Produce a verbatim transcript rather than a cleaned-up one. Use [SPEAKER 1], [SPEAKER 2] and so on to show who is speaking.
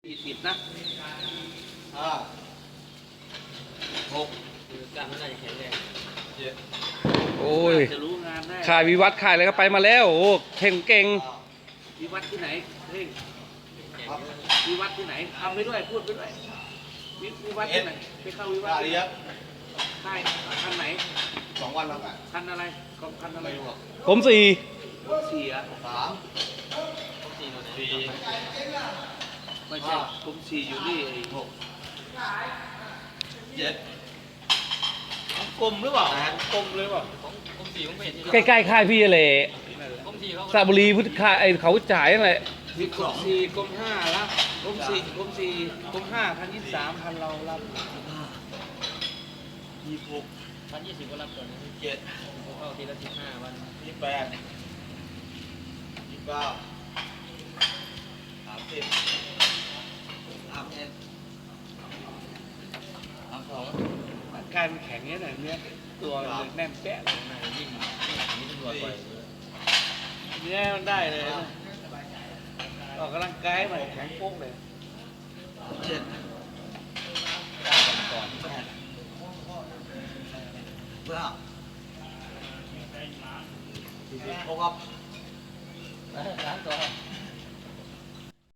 [SPEAKER 1] สี่สิบนะห้าหกกล้ามมันน่าจะแข็งแรงเจ็ด
[SPEAKER 2] โอ้ย
[SPEAKER 1] จะรู้งานได้
[SPEAKER 2] ขายวิวัฒน์ขายอะไรก็ไปมาแล้วโอ้เก่งเก่ง
[SPEAKER 1] วิวัฒน์ที่ไหนเฮ้ยวิวัฒน์ที่ไหนทำไปด้วยพูดไปด้วยวิวัฒน์ที่ไหนไปเข้าวิวัฒน์ใช่คันไหน
[SPEAKER 3] สองวันแล้ว
[SPEAKER 1] คันอะไรคันอะไร
[SPEAKER 2] ผมสี่
[SPEAKER 1] ผมสี่อ่ะ
[SPEAKER 3] สาม
[SPEAKER 1] สี่ไม่ใช่ผมสี่อยู่นี่หกเจ็ดกลมหรือเปล่ากลมเลยเปล่าผมสี่ผม
[SPEAKER 2] ใกล้ๆค่ายพี่เลยสระบุรีพุทธคาไอเขาจ่ายอะไร
[SPEAKER 1] มีกลมสี่กลมห้าละกลมสี่กลมสี่กลมห้าพันยี่สิบสามพันเรารับยี่สิบหกพันยี่สิบก็รับก่อนเจ็ดเข้าทีละสิบห้าวันยี่สิบแปดยี่สิบเก้าสามสิบสามเอ็ดสามสองกายมันแข็งเนี้ยหน่อยเนี้ยตัวแน่นแป๊ะเลยยิ่งยิ่งตัวไปเนี้ยมันได้เลยออกกำลังกายมันแข็งโป๊กเลยเจ็ดก่อนแปดเก้าโอ้ครับสามตัว